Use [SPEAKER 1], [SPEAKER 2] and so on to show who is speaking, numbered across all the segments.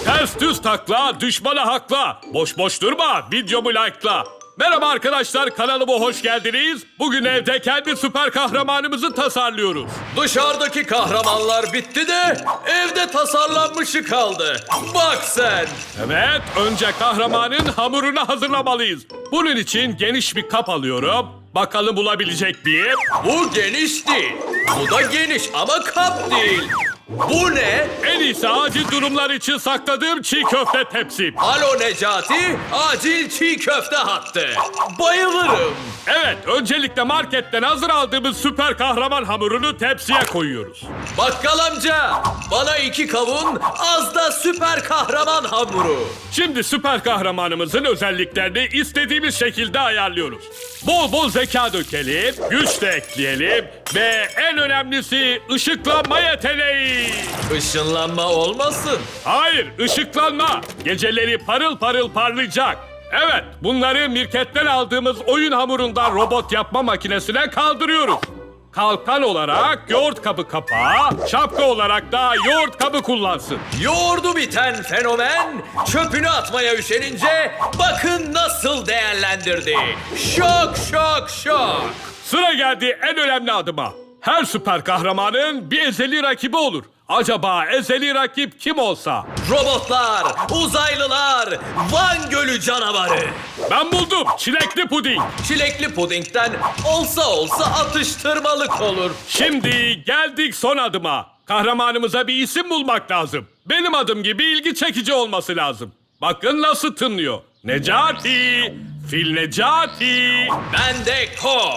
[SPEAKER 1] Ters düz takla, düşmana hakla. Boş boş durma, videomu like'la. Merhaba arkadaşlar, kanalıma hoş geldiniz. Bugün evde kendi süper kahramanımızı tasarlıyoruz.
[SPEAKER 2] Dışarıdaki kahramanlar bitti de evde tasarlanmışı kaldı. Bak sen.
[SPEAKER 1] Evet, önce kahramanın hamurunu hazırlamalıyız. Bunun için geniş bir kap alıyorum. Bakalım bulabilecek miyim?
[SPEAKER 2] Bu geniş değil. Bu da geniş ama kap değil. Bu ne?
[SPEAKER 1] En iyisi acil durumlar için sakladığım çiğ köfte tepsim.
[SPEAKER 2] Alo Necati, acil çiğ köfte hattı. Bayılırım.
[SPEAKER 1] Evet, öncelikle marketten hazır aldığımız süper kahraman hamurunu tepsiye koyuyoruz.
[SPEAKER 2] Bakkal amca, bana 2 kavun, az da süper kahraman hamuru.
[SPEAKER 1] Şimdi süper kahramanımızın özelliklerini istediğimiz şekilde ayarlıyoruz. Bol bol zeka dökelim, güç de ekleyelim ve en önemlisi ışıklanma yeteneği.
[SPEAKER 2] Işınlanma olmasın.
[SPEAKER 1] Hayır, ışıklanma. Geceleri parıl parıl parlayacak. Evet, bunları mirketten aldığımız oyun hamurundan robot yapma makinesine kaldırıyoruz. Kalkan olarak yoğurt kabı kapağı, şapka olarak da yoğurt kabı kullansın.
[SPEAKER 2] Yoğurdu biten fenomen çöpünü atmaya üşenince bakın nasıl değerlendirdi. Şok şok şok.
[SPEAKER 1] Sıra geldi en önemli adıma. Her süper kahramanın bir ezeli rakibi olur. Acaba ezeli rakip kim olsa?
[SPEAKER 2] Robotlar, uzaylılar, Van Gölü canavarı.
[SPEAKER 1] Ben buldum, çilekli puding.
[SPEAKER 2] Çilekli pudingden olsa atıştırmalık olur.
[SPEAKER 1] Şimdi geldik son adıma. Kahramanımıza bir isim bulmak lazım. Benim adım gibi ilgi çekici olması lazım. Bakın nasıl tınlıyor. Necati, Fil Necati.
[SPEAKER 2] Ben de Ko,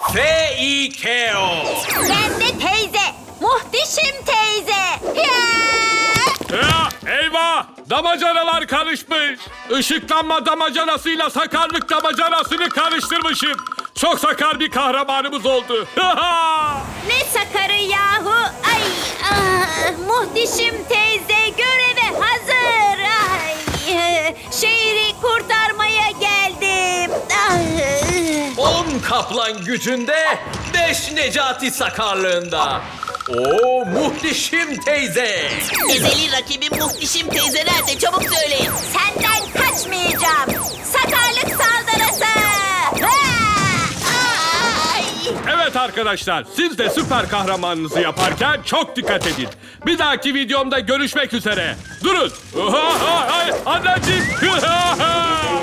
[SPEAKER 2] F-I-K-O.
[SPEAKER 3] Ben de teyze. Muhteşem teyze.
[SPEAKER 1] Ya, eyvah! Damacanalar karışmış. Işıklanma damacanasıyla sakarlık damacanasını karıştırmışım. Çok sakar bir kahramanımız oldu.
[SPEAKER 3] Ne sakarı yahu. Ay, muhteşem teyze göreve hazır. Ay, şehri kurtarmaya geldim.
[SPEAKER 2] 10 kaplan gücünde, 5 Necati sakarlığında. Oo, muhteşem teyze.
[SPEAKER 4] Ezeli rakibim muhteşem teyze nerede? Çabuk söyleyin.
[SPEAKER 3] Senden kaçmayacağım. Sakarlık saldırısı.
[SPEAKER 4] Ay!
[SPEAKER 1] Evet arkadaşlar, siz de süper kahramanınızı yaparken çok dikkat edin. Bir dahaki videomda görüşmek üzere. Durun. Anneciğim.